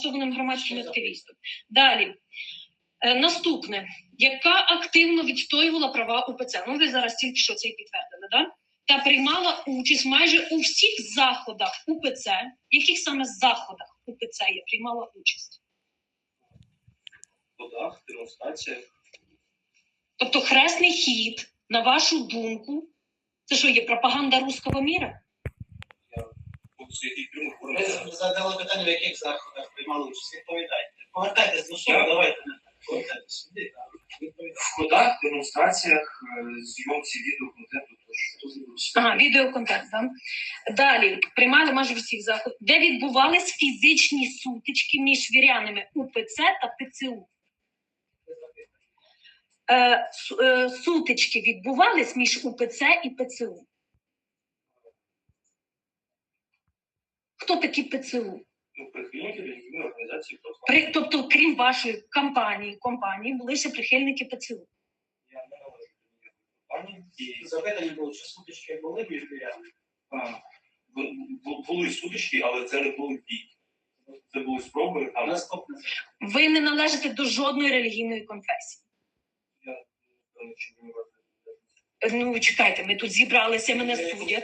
громадським активістом. Далі. Наступне. Яка активно відстоювала права УПЦ? Ну, ви зараз тільки що це підтвердили, да? Та приймала участь майже у всіх заходах УПЦ. В яких саме заходах УПЦ я приймала участь? В ходах, демонстраціях. Тобто хресний хід, на вашу думку, це що, є пропаганда руського міра? Ви задали питання, в яких заходах приймали участь. Відповідайте. Повертайтесь до суду, давайте. Повертайтесь сюди. В ходах, демонстраціях, зйомці відеоконтенту. Ага, відеоконтент, так? Далі, приймали майже всіх заходів, де відбувались фізичні сутички між вірянами УПЦ та ПЦУ. Сутички відбувались між УПЦ і ПЦУ. Хто такі ПЦУ? Прихильники релігійної організації. Тобто, крім вашої компанії були ще прихильники ПЦУ. Я не належу до компанії. Запитання було, чи сутички були між вірянами? Були сутички, але це не були бій. Це були спроби. Наступне. Ви не належите до жодної релігійної конфесії. Ну, чекайте, ми тут зібралися, мене судять. Я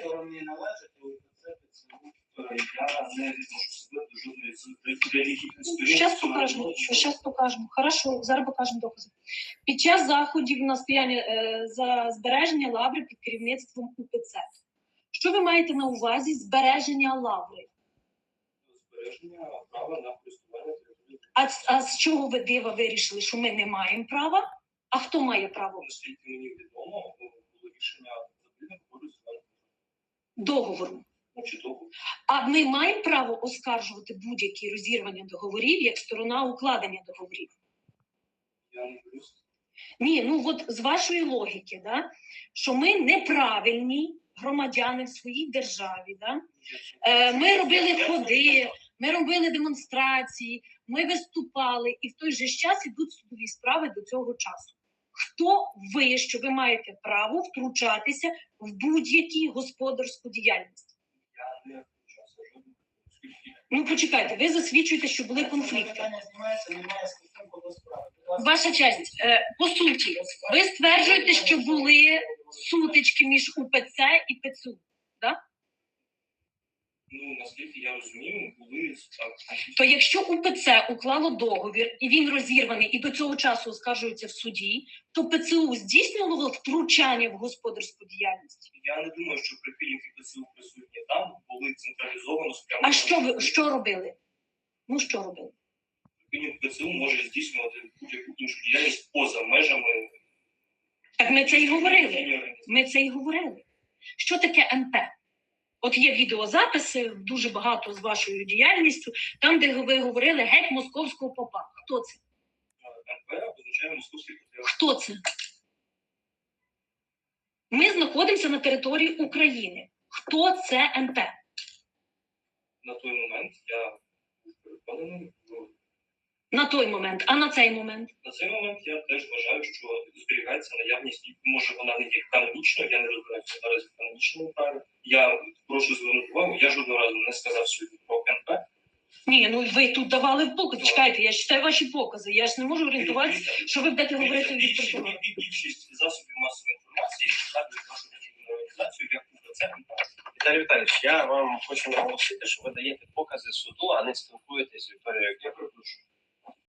не відношу себе до жодної з релігійних сторін. Щас покажемо. Хорошо, зараз покажемо докази. Під час заходів на стояння за збереження лаври під керівництвом УПЦ. Що ви маєте на увазі збереження лаври? Збереження права на користування територією. А з чого ви дива вирішили, що ми не маємо права? А хто має право? Наскільки мені відомо, було рішення задовільне користування. Договору. А ми маємо право оскаржувати будь-які розірвання договорів як сторона укладення договорів? Я не боюсь. Ні, ну от з вашої логіки, да, що ми неправильні громадяни в своїй державі. Да? Ми робили ходи, ми робили демонстрації, ми виступали, і в той же час ідуть судові справи до цього часу. Хто ви, що ви маєте право втручатися в будь-яку господарську діяльність? Я не втручався. Ну, почекайте, ви засвідчуєте, що були конфлікти. Ваша честь, по суті, ви стверджуєте, що були сутички між УПЦ і ПЦУ, так? Ну, наскільки я розумію, були... То якщо УПЦ уклало договір, і він розірваний, і до цього часу оскаржується в суді, то ПЦУ здійснювало втручання в господарську діяльність? Я не думаю, що прихильники ПЦУ присутні там були централізовано спрямовані. А що робили? Ну, що робили? Прихильник ПЦУ може здійснювати будь-яку іншу діяльність поза межами... Так ми це і говорили. Що таке НП? От є відеозаписи, дуже багато з вашою діяльністю, там, де ви говорили геть московського попа. Хто це? НП означає московський патріарх. Хто це? Ми знаходимося на території України. Хто це НП? На той момент я був переконаний. На той момент. А на цей момент? На цей момент я теж вважаю, що зберігається наявність, може вона не є канонічною, я не розбираюся зараз в канонічному праві. Я прошу звернути увагу, я жодного разу не сказав сьогодні про НП. Ні, ну ви тут давали покази. Чекайте, я читаю ваші покази. Я ж не можу орієнтуватися, що ви будете говорити від прокурора. Більшість засобів масової інформації згадують нашу релігійну організацію як УПЦ НП. Віталій Віталійович, я вам хочу наголосити, що ви даєте покази суду, а не спілкуєтесь з Вікторією. Я перепрошую.